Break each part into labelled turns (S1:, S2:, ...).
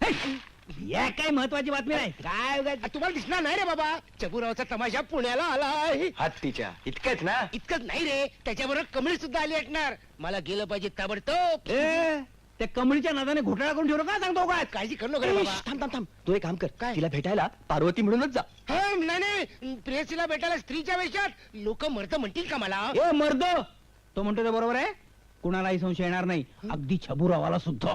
S1: या काय महत्वाची बातमी नाही.
S2: काय तुम्हाला दिसणार नाही रे बाबा, चबुरावचा तमाशा पुण्याला आलाय.
S3: हत्तीच्या इतकंच ना?
S2: इतकंच नाही रे, त्याच्याबरोबर कमळी सुद्धा आली असणार. मला गेलं पाहिजे ताबडतोब.
S1: त्या कमळीच्या नादाने घोटाळा करून ठेवलं का सांगतो काय?
S2: काळजी करू नका रे बाबा.
S3: थांब थांब थांब, तू एक काम कर,
S2: काय?
S3: तिला भेटायला पार्वती म्हणूनच जा.
S2: नाही नाही, प्रेयसीला भेटायला स्त्रीच्या वेशात लोक मरत म्हणतील का मला?
S1: ए मर्द, तो म्हणतो ते बरोबर आहे. कुणालाही संशय येणार नाही, अगदी छबुरावाला सुद्धा.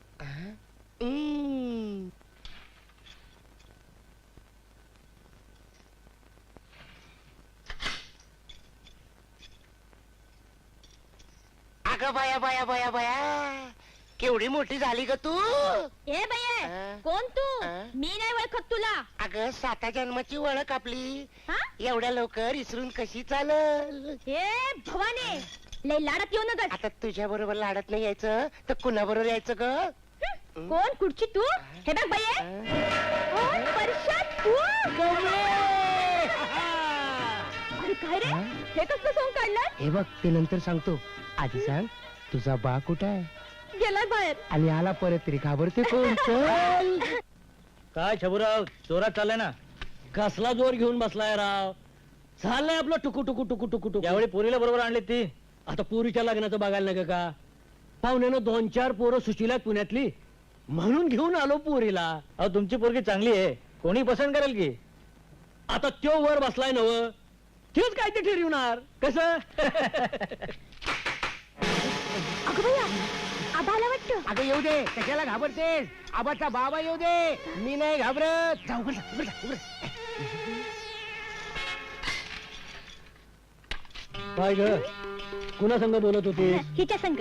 S2: अगं बाया बाया बाया बाया, केवढी मोठी झाली ग तू.
S4: ए बये, कोण तू? मी नाही ओळखत तुला.
S2: अगं 7 जन्माची ओळख आपली,
S4: हा?
S2: एवढ्या लवकर इसरून कशी चालल?
S4: ए भवाने, लय लाडत येऊ नका.
S2: आता तुझ्या बरोबर लाडत नाही यायचं तर कुणा बरोबर यायचं ग?
S4: कोण कुठची तू? हे बघ बये, कोण परशात तू? अरे काय रे, हे कसलं सोंग काढलं?
S2: हे बघ, ते नंतर सांगतो. आधी सांग, तुझा बा कुठं आहे?
S4: गेलाय बाहेर.
S2: आणि आला परत तरी घाबरते कोण? चल.
S1: काय छबुराव, जोरात चाललाय ना? कसला जोर घेऊन बसलाय राव? चाललंय आपलं टुकू टुकू टुकू टुकू टुकू. यावेळी पोरीला बरोबर आणली ती. आता पोरीच्या लग्नाचं बघायला नका का? पाहुण्यानं 2-4 पोरं सुशीला पुण्यातली, म्हणून घेऊन आलो पोरीला. अहो तुमची पोरगी चांगली आहे, कोणी पसंत करेल की. आता त्यो वर बसलाय नव, तेच काय ते ठरवणार कसं?
S4: अगं बया, आबा आला वाटतं.
S2: अगं येऊ दे, कशाला घाबरतेस? आबाचा बाबा येऊ दे, मी नाही घाबरत. जाऊ बरं.
S1: काय ग, कुणा संग बोलत होती?
S4: हिच्या संग.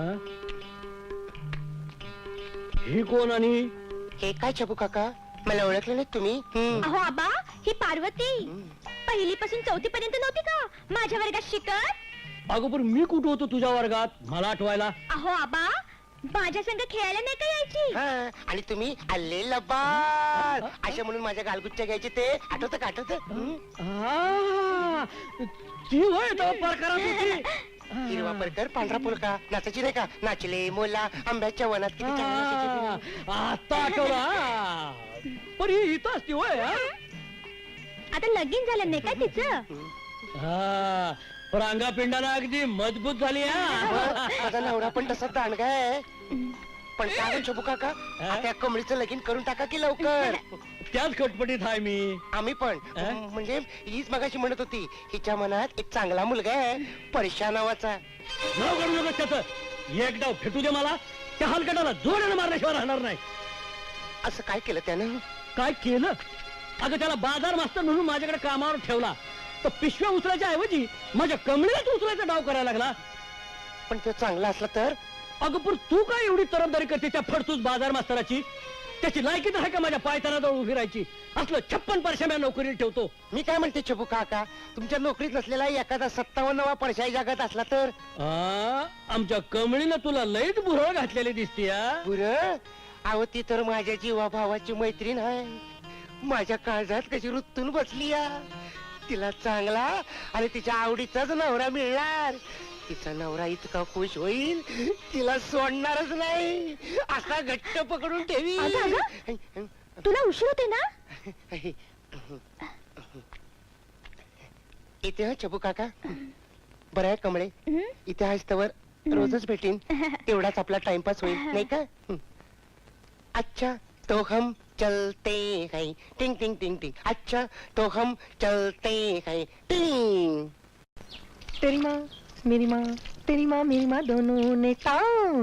S1: ही कोण आणि
S2: हे काय छबू काका, मला ओळखलं नाही तुम्ही?
S4: अहो आबा, ही पार्वती. पहिलीपासून 4थी पर्यंत नव्हती का माझ्या वर्गात शिकत?
S1: अगोदर मी कुठं होतो तुझ्या वर्गात, मला आठवायला?
S4: अहो आबा, माझ्या संग खेळायला नाही का यायची?
S2: हा, आणि तुम्ही आले लबाड अशा म्हणून माझ्या गालगुच्च्या घ्यायचे, ते आठवत का? आठवत?
S1: आ, ती होय तो प्रकारात होती.
S2: हिरवा परकर पांढरा पुलका, नाचायची नाही का? नाचले मोला आंब्याच्या वनात, किती छान नाचायची.
S1: आता आठवला. पण ही इथं असती होय.
S4: आता लगीन झालं नाही का तिचं?
S1: हा, रांगा पिंडाला अगदी मजबूत झाली.
S2: माझा नवरा पण तसा दांडगा आहे. पण काय म्हणतो छबू काका, आता कमळीचं लगीन करून टाका की लवकर.
S1: त्याच खटपटीत आहे मी.
S2: आम्ही पण, म्हणजे हीच मगाशी म्हणत होती, हिच्या मनात एक चांगला मुलगा आहे, परशा नावाचा.
S1: नाव काढू नका त्याचं. एक डाव फेटू दे मला, त्या हलकटाला जोरानं मारल्याशिवाय राहणार नाही.
S2: असं काय केलं त्यानं?
S1: काय केलं? अगं त्याला बाजार मास्तर म्हणून माझ्याकडे कामावर ठेवला, तर पिशव्या उचलायच्या ऐवजी माझ्या कमळीलाच उचलायचा डाव करायला लागला.
S2: पण तो चांगला असला तर?
S1: अगं पण तू काय एवढी तरफदारी करते त्या फडतूस बाजार मास्तराची? त्याची लायकी तर आहे का माझ्या पायतानाजवळ उभी राहायची? असलं 56 परश्या नोकरीला ठेवतो.
S2: मी काय म्हणते छबू काका, तुमच्या नोकरीत नसलेला एखादा 57वा परशाई जगात असला तर?
S1: आमच्या कमळीनं तुला लईच भुरळ घातलेली दिसती.
S2: बुरं, अहो ती तर माझ्या जीवा भावाची मैत्रीण आहे. माझ्या काळजात कशी रुतून बसली या. तिला चांगला आणि तिच्या आवडीचाच नवरा मिळणार. तिचा नवरा इतका खुश होईल, तिला सोडणारच नाही, असा घट्ट पकडून ठेवी.
S4: तुला उशीर होते ना?
S2: इथे हा छबू काका, बरं आहे कमळे, इथे आहेस तवर रोजच भेटीन, तेवढाच आपला टाइमपास होईल नाही का? अच्छा तो हम चलते हैं, टिंग टिंग टिंग टिंग. अच्छा तो हम चलते हैं, टिंग.
S5: तेरी माँ मेरी माँ, तेरी माँ मेरी माँ दोनों ने टांग